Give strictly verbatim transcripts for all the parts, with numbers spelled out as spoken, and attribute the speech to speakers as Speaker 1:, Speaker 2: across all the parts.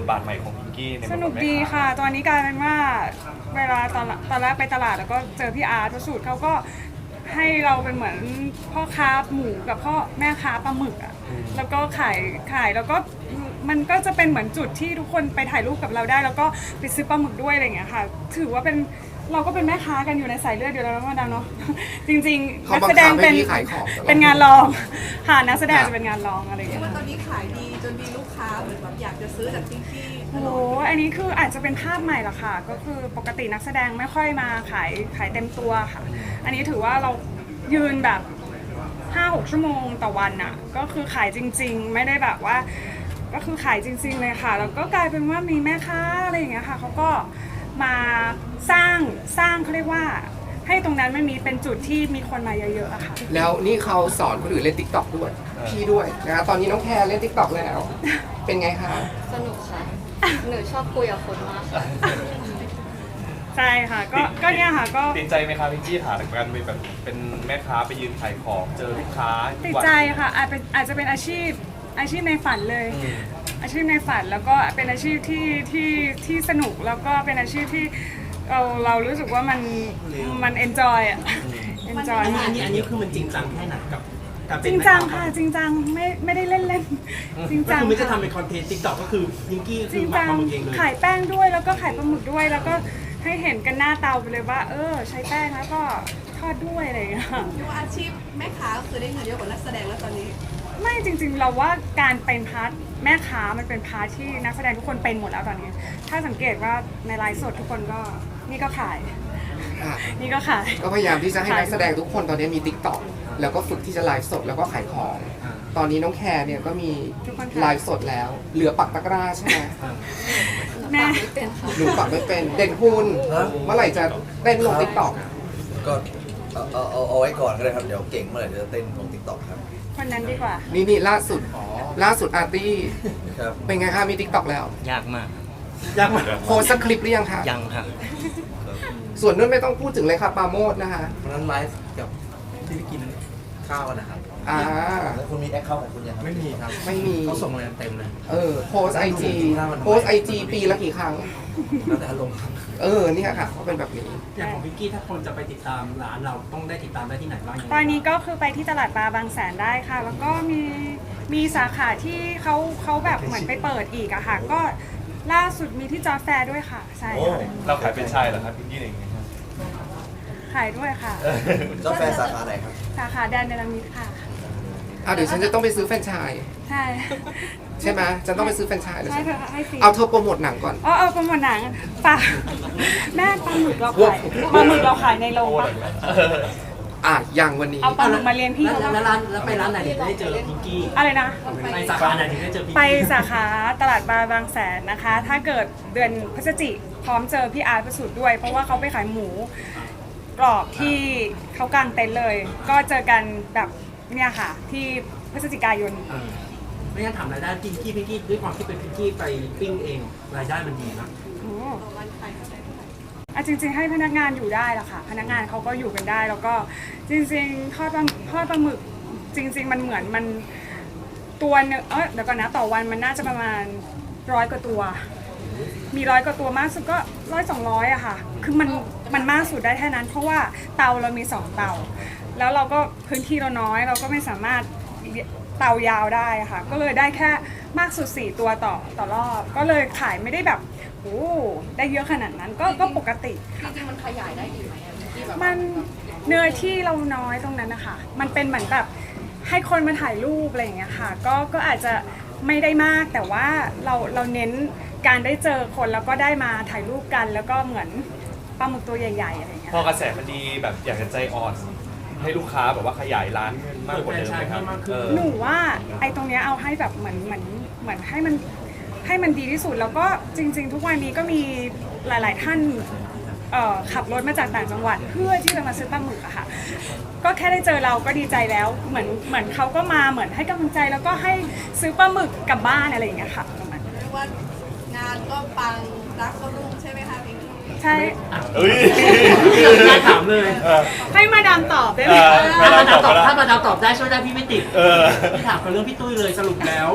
Speaker 1: บาทใหม่ของพิงกี้ใน
Speaker 2: สนุกดีค่ะตอนนี้กลายเป็นว่าเวลาตอนตอนแรกไปตลาดแล้วก็เจอพี่อาร์ตสูตรเขาก็ให้เราเป็นเหมือนพ่อค้าหมูกับพ่อแม่ค้าปลาหมึกอ่ะแล้วก็ขายขายแล้วก็มันก็จะเป็นเหมือนจุดที่ทุกคนไปถ่ายรูปกับเราได้ แล้วก็ไปซื้อปลาหมึกด้วยอะไรอย่างเงี้ยค่ะถือว่าเป็นเราก็เป็นแม่ค้ากันอยู่ในสายเลือดอยู่แล้วนะมาดามเนาะจริงๆนักแสดงเป็นเป็นงานรองค่ะนักแสดงจะเป็นงานรองอะไรอย่างเงี้ย
Speaker 3: ว่าตอนนี้ขายดีจนมีลูกค้าเหมือนแบบอยากจะซื้อจากพิงกี้
Speaker 2: โอ้โหอันนี้คืออาจจะเป็นภาพใหม่ละค่ะก็คือปกตินักแสดงไม่ค่อยมาขายขายเต็มตัวค่ะอันนี้ถือว่าเรายืนแบบ ห้าหก ชั่วโมงต่อวันน่ะก็คือขายจริงๆไม่ได้แบบว่าก็คือขายจริงๆเลยค่ะแล้วก็กลายเป็นว่ามีแม่ค้าอะไรอย่างเงี้ยค่ะเขาก็มาสร้างสร้างเขาเรียกว่าให้ตรงนั้นมันมีเป็นจุดที่มีคนมาเยอะๆอะค่ะ
Speaker 4: แล้วนี่เขาสอนคนอื่นเล่นติ๊กต็อกด้วยพี่ด้วยนะตอนนี้น้องแคร์เล่นติ๊กต็อกแล้วเป็นไงคะ
Speaker 5: สนุกค่ะ หนูชอบคุยกับคนมากค่ะ
Speaker 2: ใช่ค่ะก็ก็เนี่ยค่ะก็
Speaker 1: ติดใจไหมคะพิงกี้ถามกันไปแบบเป็นแม่ค้าไปยืนขายของเจอลูกค้า
Speaker 2: ติดใจค่ะอาจเป็นอาจจะเป็นอาชีพอาชีพในฝันเลย อาชีพในฝันแล้วก็เป็นอาชีพที่ที่ที่สนุกแล้วก็เป็นอาชีพที่เราเรารู้สึกว่ามันมันเอนจอยอ่ะเอนจอย
Speaker 6: อันนี้อันนี้อันนี้คือมันจริงจังแค่ไหนกับการเป็น
Speaker 2: จริงจังค่ะจริงจังไม่ไม่ได้เล่นเล่นจริง
Speaker 6: ก็
Speaker 2: จัง
Speaker 6: คือไม่จะทำเป็นคอนเทนต์ติ๊กต็อกก็คือพิงกี้
Speaker 2: จ
Speaker 6: คื
Speaker 2: ริ
Speaker 6: อง มา
Speaker 2: จัง
Speaker 6: ทำมันเองเลย
Speaker 2: ขายแป้งด้วยแล้วก็ขายปลาหมึกด้วยแล้วก็ให้เห็นกันหน้าเตาไปเลยว่า เออใช้แป้งแล้วก็ทอดด้วยอะไรอย่างเงี้ย
Speaker 3: เรียกว่าอาชีพแม่ค้าก็คือได้เงินเยอะกว่านักแสดงแล้วตอนนี้
Speaker 2: ไม่จริงๆเราว่าการเป็นพาร์ทแม่ค้ามันเป็นพาร์ทที่นักแสดงทุกคนเป็นหมดแล้วตอนนี้ ถ้าสังเกตว่าในไลฟ์สดทุกคนก็นี่ก็ขาย
Speaker 4: อ่ะ
Speaker 2: นี่ก็ขาย
Speaker 4: ก็พยายามที่จะให้นักแสดงทุกคนตอนนี้มีติ๊กต็อกแล้วก็ฝึกที่จะไลฟ์สดแล้วก็ขายของ ตอนนี้น้องแคร์เนี่ยก็มีไลฟ์สดแล้ว เหลือปักตะกร้าใช่ไหม
Speaker 2: แม่
Speaker 5: ไม่เป็นค่ะ
Speaker 4: หนูปักไม่เป็นเด่นคุณเมื่อไหร่จะเต้นลงติ๊กต็อก
Speaker 7: ก็เอาเอาเอาเอาไว้ก่อนก็ได้ครับ เดี๋ยวเก่งเมื่อไหร่เดี๋ยวจะเต้นลงติ๊กต็อกครับ
Speaker 2: คนนั้นดีกว่า
Speaker 4: นี่นี่ล่าสุดล่าสุดอาร์ตี้
Speaker 7: ครับ
Speaker 4: เป็นไงคะมีติ๊กต็อกแล้ว
Speaker 8: ยากมาก
Speaker 6: ยากมาก
Speaker 4: โพสต์สักคลิปหรือยังคะ
Speaker 8: ยังครับ
Speaker 4: ส่วนนู้นไม่ต้องพูดถึงเลยครับปราโมดนะคะ
Speaker 7: วันนั้นไลฟ์กับที่ไปกินข้าวกันนะครับ
Speaker 4: อ่า
Speaker 7: แล้วคุณมีแอคเคาท์ของคุณยังครับไม่มีครับ
Speaker 4: ไม่มี
Speaker 6: เขาส่งมาเต็มเลย
Speaker 4: เออโพสไอจีโพสไอจีปีละกี่ครั้ง
Speaker 7: แล้วแต่อารมณ์ครับ
Speaker 4: เออเนี่ยค่ะเขาเป็นแบบนี้
Speaker 6: อย่างของพิงกี้ถ้าคนจะไปติดตามร้านเราต้องได้ติดตามได้ที่ไหนบ้างยังไง
Speaker 2: ตอนนี้ก็คือไปที่ตลาดปลาบางแสนได้ค่ะ แล้วก็มีมีสาขาที่เขาเขาแบบเหมือนไปเปิดอีกอะค่ะ ก็ล่าสุดมีที่จอร์จแฟร์ด้วยค่ะ ใช่
Speaker 1: โอ้
Speaker 2: ค่ะ
Speaker 1: เราขายเป็นชายเหรอครับพิงกี้เองครับ
Speaker 2: ขายด้วยค่ะ
Speaker 7: เจ้าแฟนสาขาไหนครับ
Speaker 2: สาขาแดนเนลามิดค่ะ
Speaker 4: อ่ะเดี๋ยวฉันจะต้องไปซื้อแฟรนไชส์
Speaker 2: ใช่
Speaker 4: ใช่ไหมฉันต้องไปซื้อแฟรนไชส์เลย
Speaker 2: ใช่เธอให้ฟรี
Speaker 4: เอาเธอโปรโมทหนังก่อน
Speaker 2: อ๋อเอาโปรโมทหนังปลาแม่ปลาหมึกเราขายปลาหมึกเราขายในโรงปะ
Speaker 4: อ่ะยังวันนี้
Speaker 2: เอาปลาหมึกมาเลี้ยงพี่
Speaker 6: แล้ว
Speaker 2: เขา
Speaker 6: แล้ว
Speaker 2: ปะ
Speaker 6: ร้านแล้วไปร้านไหนถึงได้เจอพิงกี้
Speaker 2: อะไรนะ
Speaker 6: ไปสาขาไหนถึงได้เจอพิง
Speaker 2: ไป
Speaker 6: กี้
Speaker 2: สาขาตลาดปลาบางแสนนะคะ ถ้าเกิดเดือนพฤศจิกพร้อมเจอพี่อาร์ตประสูติด้วย เพราะว่าเขาไปขายหมูกรอบที่เขากางเต็นท์เลย ก็เจอกันแบบเนี่ยค่ะ ที่พฤศจิกายน
Speaker 6: เออไม่งั้นถามรายได้พิงกี้พิงกี้ด้วยความที่เป็นพิงกี้ไปปิ้งเองรายได้มันดีนะ
Speaker 2: โอ้อ่ะจริงๆให้พนักงานอยู่ได้ละค่ะ พนักงานเขาก็อยู่กันได้ แล้วก็จริงๆทอดปลาทอดปลาหมึกจริง ๆ มันเหมือนมันตัวเนงเออเดี๋ยวก่อนนะต่อวันมันน่าจะประมาณร้อยกว่าตัว มีร้อยกว่าตัวมากสุดก็ร้อยสองร้อยอะค่ะ คือมันมันมากสุดได้แค่นั้น เพราะว่าเตาเรามีสองเตา แล้วเราก็พื้นที่เราน้อย เราก็ไม่สามารถเตายาวได้อะค่ะ ก็เลยได้แค่มากสุดสี่ตัวต่อต่อรอบ ก็เลยขายไม่ได้แบบโอ้ได้เยอะขนาดนั้นก็ก็ปกติ
Speaker 3: จริงๆมันขยายได้อีกไหมอะที่แบบ
Speaker 2: มันเนื้อที่เราน้อยตรงนั้นนะคะมันเป็นเหมือนแบบให้คนมาถ่ายรูปอะไรอย่างเงี้ยค่ะ ก็ก็อาจจะไม่ได้มากแต่ว่าเราเราเน้นการได้เจอคนแล้วก็ได้มาถ่ายรูปกัน แล้วก็เหมือนปลาหมึกตัวใหญ่ๆอะไรอย่างเงี้ย
Speaker 1: พอกระแสมันดีแบบอยากจะใจอ่อนให้ลูกค้าแบบว่าขยายร้านมากกว่าเดิมไหมครับเออ
Speaker 2: หนูว่าไอ้ตรงเนี้ยเอาให้แบบเหมือนเหมือนเหมือนให้มันให้มันดีที่สุดแล้วก็จริง ๆ ทุกวันนี้ก็มีหลายๆท่านเอ่อขับรถมาจากต่างจังหวัดเพื่อที่จะมาซื้อปลาหมึกอะค่ะก็แค่ได้เจอเราก็ดีใจแล้วเหมือนเหมือนเขาก็มาเหมือนให้กำลังใจแล้วก็ให้ซื้อปลาหมึกกลับบ้านอะไรอย่างเงี้ยค่ะประมาณนั้น
Speaker 3: เรียกว่างานก็ปังรักก็รุ่งใช่ไหมคะพิงกี้
Speaker 2: ใช่
Speaker 1: เอ้ย
Speaker 6: ไม่ถามเลย
Speaker 1: เออ
Speaker 2: ให้มาดามตอบได้ไหม
Speaker 1: เออ
Speaker 6: ถ้ามาดาวตอบถ้ามาดาวตอบได้ช่วยได้พี่ไม่ติด
Speaker 1: เออ
Speaker 6: พี่ถามกับเรื่องพี่ตุ้ยเลยสรุปแล้ว
Speaker 4: อุ้ย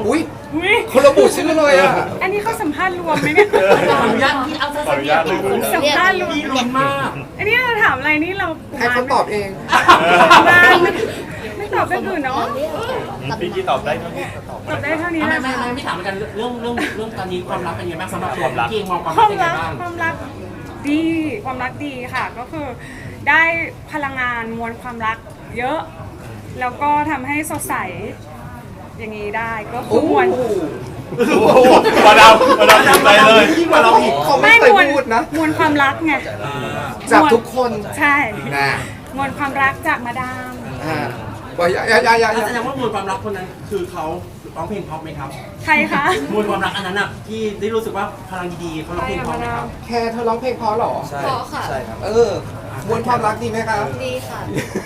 Speaker 2: อุ๊ย
Speaker 4: คนระบุชื่อเลยอ่ะ
Speaker 2: อันนี้เขาสัมภาษณ์รวมไหมเนี่ย
Speaker 6: ขออนุญาตที่เอาสั้
Speaker 1: ขออน นุ
Speaker 6: ๆ
Speaker 1: ญาตเลย
Speaker 2: สัมภาษณ์รวม
Speaker 6: พี่ลุ้นมาก
Speaker 2: อันนี้เราถามอะไรนี่เรา
Speaker 4: ให้เขาตอบเอง
Speaker 2: มาไม่ไม่ตอบเรื่องอื่นเนาะ
Speaker 1: พี่กี้ตอบได้เท่านี้ก็ตอบ
Speaker 2: ตอบได้เท่านี้
Speaker 6: ไม่
Speaker 2: นะ
Speaker 6: ไม่
Speaker 2: คะ
Speaker 6: ไม่ไม่ถามเหมือนกันเรื่องเรื่องเรื่องตอนนี้ความรักเป็นยังไงบ้างสำหรับตัว
Speaker 1: ความรัก
Speaker 6: พี่เองมองความ
Speaker 2: ค
Speaker 6: รัก
Speaker 2: วาม
Speaker 6: เป็นยังไง
Speaker 2: รัก
Speaker 6: บ้าง
Speaker 2: ความรักดีความรักดีค่ะ ก็คือได้พลังงานมวลความรักเยอะ แล้วก็ทำให้สดใสอย่างนี้ได้ก็คือมวล
Speaker 1: มาดามมาดามทำใจเลย
Speaker 6: ยิ่งกว่าเราอีก
Speaker 4: เขาไม่เคย
Speaker 2: มวล
Speaker 4: พูดนะ
Speaker 2: มวลความรักไง
Speaker 4: จากทุกคน
Speaker 2: ใช่
Speaker 4: นะ
Speaker 2: มวลความรักจากมาดาม
Speaker 4: อ่าว่าอย่าอย่าอย่าอย่าอย่า
Speaker 6: แสดงว่ามวลความรักคนนั้นคือเขาร้องเพลงเพราะไหมครับ
Speaker 2: ใครคะ
Speaker 6: มวลความรักอันนั้นอ่ะที่ได้รู้สึกว่าพลังดีๆเขาร้องเพลงเพราะไหมครับ
Speaker 4: แค่เธอร้องเพลงเพราะเหรอ
Speaker 7: ใช่
Speaker 5: ขอค่ะ
Speaker 7: ใช่ครับ
Speaker 4: เออ มวลความรักดีไหมครับ
Speaker 5: ดีค่ะ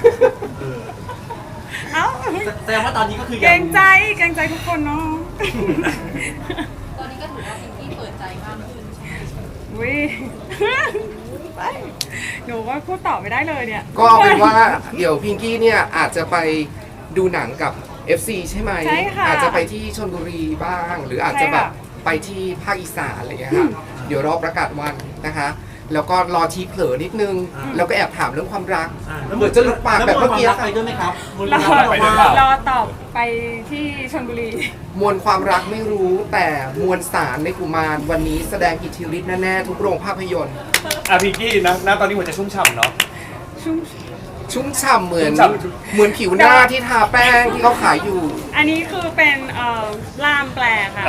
Speaker 2: เอ้า
Speaker 6: แสดงว่าตอนนี้ก็คือ
Speaker 2: เกรงใจเกรงใจทุกคนเนาะ
Speaker 3: ตอนนี้ก็ถือว่าพิงกี้เปิดใจมากขึ้น
Speaker 2: วิ ไปหนูก็พูดต่อไม่ได้เลยเนี่ย
Speaker 4: ก็เอาเป็นว่าเดี๋ยวพิงกี้เนี่ยอาจจะไปดูหนังกับ เอฟ ซี ใช่ไหม
Speaker 2: ใช่ค่ะ
Speaker 4: อาจจะไปที่ชลบุรีบ้าง หรืออาจจะแบบ
Speaker 2: ใช่ค่ะ
Speaker 4: ไปที่ภาคอีสานอะไรอย่างเงี้ยค่ะเดี๋ยวรอประกาศวันนะคะ แล้วก็รอทีเผลอนิดนึง แล้วก็แอบถามเรื่องความรัก
Speaker 6: อ่า
Speaker 4: เหมือนจะหลุดปากแบบเมื่อกี้
Speaker 6: แล้วมวลความรัก
Speaker 4: ค่ะ
Speaker 6: ไปด้วยไหมครับมวล
Speaker 2: ร
Speaker 6: ค
Speaker 2: อ
Speaker 6: วามรัก
Speaker 1: ไป
Speaker 6: ไป
Speaker 1: ด้
Speaker 6: ด้
Speaker 1: ว
Speaker 6: วย ย
Speaker 1: เปล่า
Speaker 2: รอตอบไปที่ชลบุรี
Speaker 4: มวลความรักไม่รู้แต่มวลสารในกุมารวันนี้แสดงอิทธิฤทธิ์แน่ๆทุกโรงภาพยนตร์
Speaker 1: อ่ะพี่กี้นะณตอนนี้หัวใจชุ่มฉ่ำเนาะ
Speaker 2: ชุ่ม
Speaker 4: ชุ่มฉ่ำเหมือน
Speaker 1: ชุ่มฉ่ำ
Speaker 4: เหมือนผิวหน้าที่ทาแป้งที่เขาขายอยู่
Speaker 2: อันนี้คือเป็นเอ่อล่ามแปลค่ะ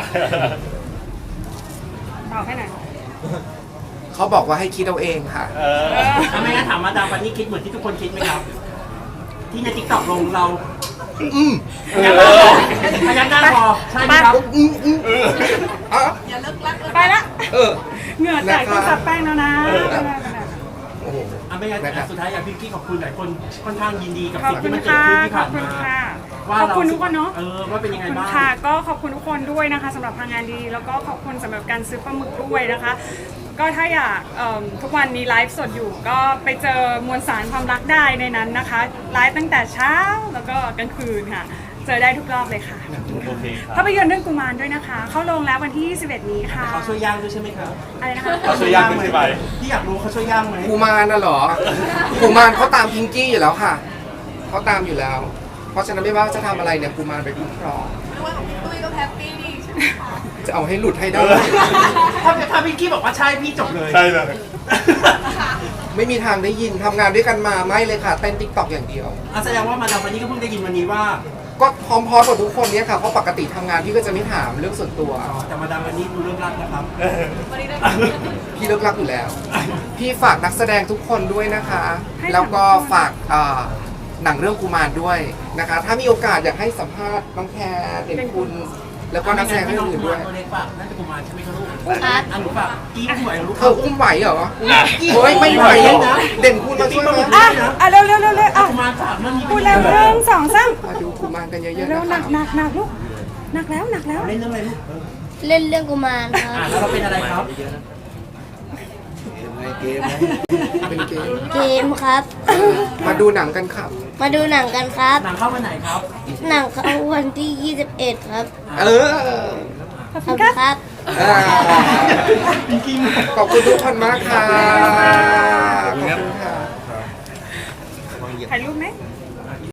Speaker 2: ตอบให้หน่อย
Speaker 4: เขาบอกว่าให้คิดเอาเองค่ะ
Speaker 1: เออ
Speaker 6: ทำไมงั้นถามมาดามปันนี่คิดเหมือนที่ทุกคนคิดไหมครับ ที่ในทิกตอกลงเรา
Speaker 4: อืม
Speaker 6: พยักหน้าพอพยักหน้าพอใช่ไหมครับ
Speaker 4: อืมอืมอ่ะ
Speaker 3: อย่าเลิกรักเลย
Speaker 2: ไปละ
Speaker 4: เออ
Speaker 2: เหงื่อแตกต้องซับแป้งแล้วนะ
Speaker 4: โอ้โห
Speaker 6: อ่ะไม่งั้น
Speaker 4: นะครับ
Speaker 6: สุดท้ายอยากพี่กี้ขอบคุณหลายคนค่อนข้างยินดีกับ
Speaker 2: ขอบ
Speaker 6: สิ่ง
Speaker 2: คุ
Speaker 6: ที่
Speaker 2: ณ
Speaker 6: มันเกิด
Speaker 2: ค่ะ
Speaker 6: ขึ้นที่
Speaker 2: ขอ
Speaker 6: ผ่า
Speaker 2: บ
Speaker 6: น
Speaker 2: คุณ
Speaker 6: มา
Speaker 2: ค่ะ
Speaker 6: ว่า
Speaker 2: ขอบ
Speaker 6: เรา
Speaker 2: คุณทุกคนเนาะ
Speaker 6: เออว่าเป็นยัง
Speaker 2: ข
Speaker 6: ไง
Speaker 2: อบคุณ
Speaker 6: บ้าง
Speaker 2: ค่ะก็ขอบคุณทุกคนด้วยนะคะสำหรับพลังงานดี แล้วก็ขอบคุณสำหรับการซื้อปลาหมึกด้วยนะคะ ก็ถ้าอยากเอิ่มทุกวันมีไลฟ์สดอยู่ ก็ไปเจอมวลสารความรักได้ในนั้นนะคะไลฟ์ตั้งแต่เช้าแล้วก็กลางคืนค่ะ เจอได้ทุกรอบเลยค่ะ
Speaker 1: โอเคครับ
Speaker 2: ภาพยนตร์เรื่องกุมารด้วยนะคะ เข้าโรงแล้ววันที่ยี่สิบเอ็ดนี้ค่ะ
Speaker 6: เขาช่วยย่างด้วยใช่ไหมครับ
Speaker 2: อะไรนะคะ
Speaker 1: เขาช่วยย่างด้วยใช่ไหม
Speaker 6: พี่อยากรู้เขาช่วยย่างไหม
Speaker 4: กุมารน่ะเหรอกุมารเขาตามพิงกี้อยู่แล้วค่ะเขาตามอยู่แล้ว เพราะฉะนั้นไม่ว่าจะทำอะไรเนี่ยกุมารไปคุ้มครอง
Speaker 3: ไม่ว่าของพี่ตุ้ยก็แฮปปี้ดีใช่ไหมคะ
Speaker 4: จะเอาให้หลุดให้ได้
Speaker 6: ถ้าถ้าพี่กี้บอกว่าใช่พี่จบเลย
Speaker 1: ใช่เลย
Speaker 4: ไม่มีทางได้ยินทำงานด้วยกันมาไม่เลยค่ะเต้นติ๊กต็อกอย่างเดียว
Speaker 6: อ่ะแสดงว่ามาดามปันนี่ก็เพิ่งได้ยินวันนี้ว่า
Speaker 4: ก็พร้อมๆกับทุกคนเนี่ยค่ะเพราะปกติทำงานพี่ก็จะไม่ถามเรื่องส่วนตัว
Speaker 6: อ๋อแต่มาดามปันนี่ดูเรื่องรักนะครับ
Speaker 3: วันนี้ได้
Speaker 4: พี่เลิกรักอยู่แล้ว พี่ฝากนักแสดงทุกคนด้วยนะคะ
Speaker 2: ให้
Speaker 4: แล้วก็ฝากเอ่อหนังเรื่องกุมารด้วยนะคะ ถ้ามีโอกาสอยากให้สัมภาษณ์น้องแคร์เด่นคุณ แล้วก็นักแสดงท่านอื่นด้วย
Speaker 6: ตัวเล็กปะน่าจะกุมารใช่ไหมครับลูก
Speaker 5: ครับ
Speaker 6: อันหนูปะกี้ผู้ใหญ่ลูก
Speaker 4: เธออุ้มไหวเหรอ
Speaker 1: อ่ะ
Speaker 4: เฮ้ยไม่ไหวนะเด่นคุณมาช่วยไหม
Speaker 2: อ่ะอ่ะเร็วเร็วเร็วเร็วอ่ะ
Speaker 6: กุมารฝากเรื่องนี้
Speaker 2: พูดเร็วเรื่องสองสาม
Speaker 4: มาดูกุมารกันเยอะๆ
Speaker 2: เร็ว
Speaker 4: นะ
Speaker 2: หนั
Speaker 4: คะ
Speaker 2: กหนักหนักลูกหนักแล้วหนักแล้ว
Speaker 6: เล่นเรื่องอะไรลูก
Speaker 5: เล่นเรื่องกุมารครั
Speaker 6: อ่ะ
Speaker 5: บ
Speaker 6: แล้วเราเป็นอะไรครับ
Speaker 7: เกมไงเกมไง
Speaker 4: เป็นเกม
Speaker 5: เกมครับ
Speaker 4: มาดูหนังกันครับ
Speaker 5: มาดูหนังกันครับ
Speaker 6: หนังเข้าวันไหนครับ
Speaker 5: หนังเข้าวันที่ยี่สิบเอ็ดครับ
Speaker 4: เออ
Speaker 2: ขอบ
Speaker 5: ข
Speaker 2: คุ
Speaker 5: อบ
Speaker 2: ณค
Speaker 5: คุ
Speaker 2: รั
Speaker 5: ณ
Speaker 2: บ
Speaker 5: ครับ
Speaker 4: อ่าขอบคุณทุกคนมากค่ะขอบคุณค่ะ
Speaker 2: ถ่ายรูปไหม
Speaker 7: เ